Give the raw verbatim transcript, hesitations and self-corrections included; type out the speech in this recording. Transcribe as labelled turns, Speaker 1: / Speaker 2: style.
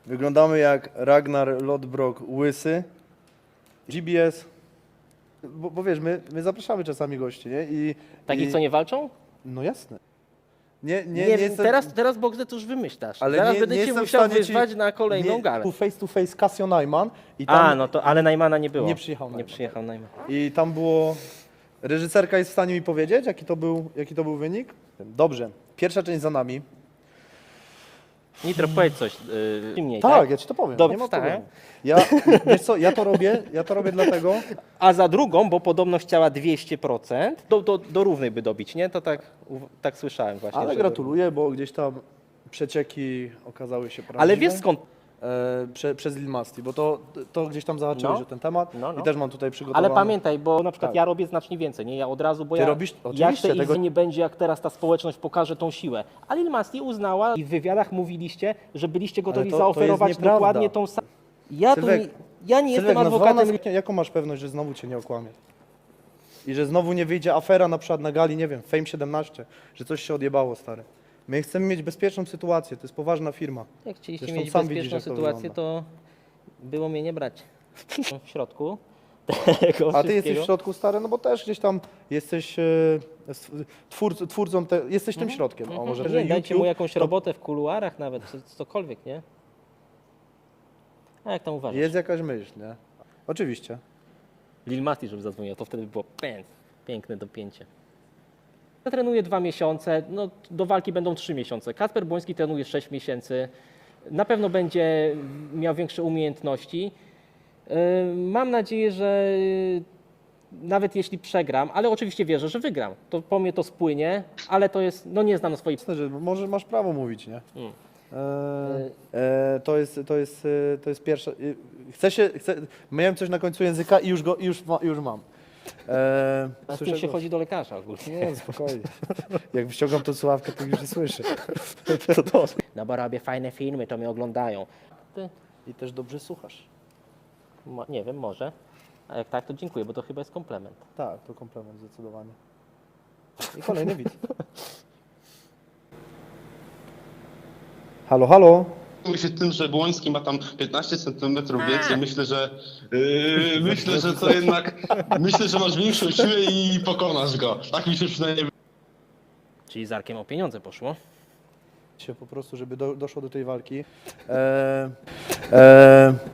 Speaker 1: Wyglądamy jak Ragnar Lodbrok łysy. G B S, bo, bo wiesz, my, my zapraszamy czasami gości, nie? I,
Speaker 2: Takich,
Speaker 1: i,
Speaker 2: co nie walczą?
Speaker 1: No jasne. Nie, nie,
Speaker 2: Nie,
Speaker 1: nie,
Speaker 2: nie
Speaker 1: jestem,
Speaker 2: teraz, teraz Boxer to już wymyślasz.
Speaker 1: ale
Speaker 2: Zaraz
Speaker 1: nie,
Speaker 2: będę
Speaker 1: nie
Speaker 2: cię
Speaker 1: jestem w
Speaker 2: musiał
Speaker 1: stanie
Speaker 2: wyzwać
Speaker 1: ci,
Speaker 2: na kolejną
Speaker 1: nie,
Speaker 2: galę.
Speaker 1: tu face to face Casio Najman i tam,
Speaker 2: A, no to, ale Najmana nie było.
Speaker 1: Nie przyjechał
Speaker 2: Nie
Speaker 1: Najman.
Speaker 2: przyjechał Najman.
Speaker 1: i tam było... Reżyserka jest w stanie mi powiedzieć, jaki to był, jaki to był wynik? Dobrze, pierwsza część za nami.
Speaker 2: Nitro, powiedz coś yy, mniej,
Speaker 1: Tak,
Speaker 2: tak?
Speaker 1: ja ci to powiem,
Speaker 2: Dobra,
Speaker 1: nie ma
Speaker 2: tak.
Speaker 1: problemu. Ja, wiesz co, ja to robię, ja to robię dlatego,
Speaker 2: A za drugą, bo podobno chciała dwieście procent, do, do, do równej by dobić, nie? To tak, tak słyszałem właśnie.
Speaker 1: ale
Speaker 2: że-
Speaker 1: gratuluję, bo gdzieś tam przecieki okazały się prawdziwe.
Speaker 2: Ale wiesz skąd?
Speaker 1: E, prze, przez Lil Masti, bo to, to gdzieś tam zahaczyłeś
Speaker 2: No.
Speaker 1: o ten temat
Speaker 2: No, no.
Speaker 1: i też mam tutaj przygotowane.
Speaker 2: Ale pamiętaj, bo na przykład
Speaker 1: Tak.
Speaker 2: ja robię znacznie więcej, nie? Ja od razu, bo
Speaker 1: Ty
Speaker 2: ja,
Speaker 1: robisz-
Speaker 2: ja
Speaker 1: oczywiście,
Speaker 2: chcę
Speaker 1: tego-
Speaker 2: tego nie będzie, jak teraz ta społeczność pokaże tą siłę. A Lil Masti uznała i w wywiadach mówiliście, że byliście gotowi
Speaker 1: to- to jest
Speaker 2: zaoferować
Speaker 1: nieprawda.
Speaker 2: dokładnie tą samą. Ja, tu
Speaker 1: Sylwek,
Speaker 2: nie, ja nie
Speaker 1: Sylwek,
Speaker 2: jestem
Speaker 1: nazwała
Speaker 2: adwokatem.
Speaker 1: nas, jaką masz pewność, że znowu cię nie okłamie? I że znowu nie wyjdzie afera na przykład na gali, nie wiem, Fame siedemnaście, że coś się odjebało, stary. My chcemy mieć bezpieczną sytuację, to jest poważna firma.
Speaker 2: Jak chcieliście
Speaker 1: Zresztą
Speaker 2: mieć
Speaker 1: sam
Speaker 2: bezpieczną
Speaker 1: widzisz, jak to
Speaker 2: sytuację,
Speaker 1: wygląda.
Speaker 2: to było mnie nie brać w środku tego
Speaker 1: A ty jesteś w
Speaker 2: wszystkiego.
Speaker 1: środku, stary, no bo też gdzieś tam jesteś e, stw- twórc, twórcą, te, jesteś tym środkiem. O, może,
Speaker 2: Mhm.
Speaker 1: że
Speaker 2: Nie, dajcie mu
Speaker 1: YouTube,
Speaker 2: jakąś
Speaker 1: to
Speaker 2: robotę w kuluarach nawet, co- cokolwiek, nie? A jak tam uważasz?
Speaker 1: jest jakaś myśl, nie? Oczywiście.
Speaker 2: Lil Masti, żeby zadzwonił, to wtedy by było pęd. Piękne dopięcie. Ja trenuję dwa miesiące, no do walki będą trzy miesiące. Kacper Błoński trenuje sześć miesięcy. Na pewno będzie miał większe umiejętności. Yy, Mam nadzieję, że nawet jeśli przegram, ale oczywiście wierzę, że wygram, to po mnie to spłynie, ale to jest, no nie znam swojej...
Speaker 1: Jasne, że może masz prawo mówić, nie?
Speaker 2: Mm.
Speaker 1: E, e, to jest, to jest, e, to jest pierwsza. e, Chcę się, chcę, miałem coś na końcu języka i już go, i już, ma, już mam. E,
Speaker 2: A z
Speaker 1: słyszę
Speaker 2: tym się
Speaker 1: głos.
Speaker 2: chodzi do lekarza ogólnie.
Speaker 1: Nie, spokojnie. Jak wyciągam tą słuchawkę, to już nie słyszę. To dobrze.
Speaker 2: No bo robię fajne filmy, to mnie oglądają. Ty,
Speaker 1: I też dobrze słuchasz.
Speaker 2: mo, nie wiem, może. A jak tak, to dziękuję, bo to chyba jest komplement.
Speaker 1: Tak, to komplement zdecydowanie. I kolejny widz. Halo, halo.
Speaker 3: Zajmuję się tym, że Błoński ma tam piętnaście centymetrów więcej. Myślę, że yy, myślę, że to jednak myślę, że masz większą siłę i pokonasz go. Tak mi się przynajmniej
Speaker 2: Czyli z Arkiem o pieniądze poszło.
Speaker 1: Się po prostu, żeby do, doszło do tej walki. E, e,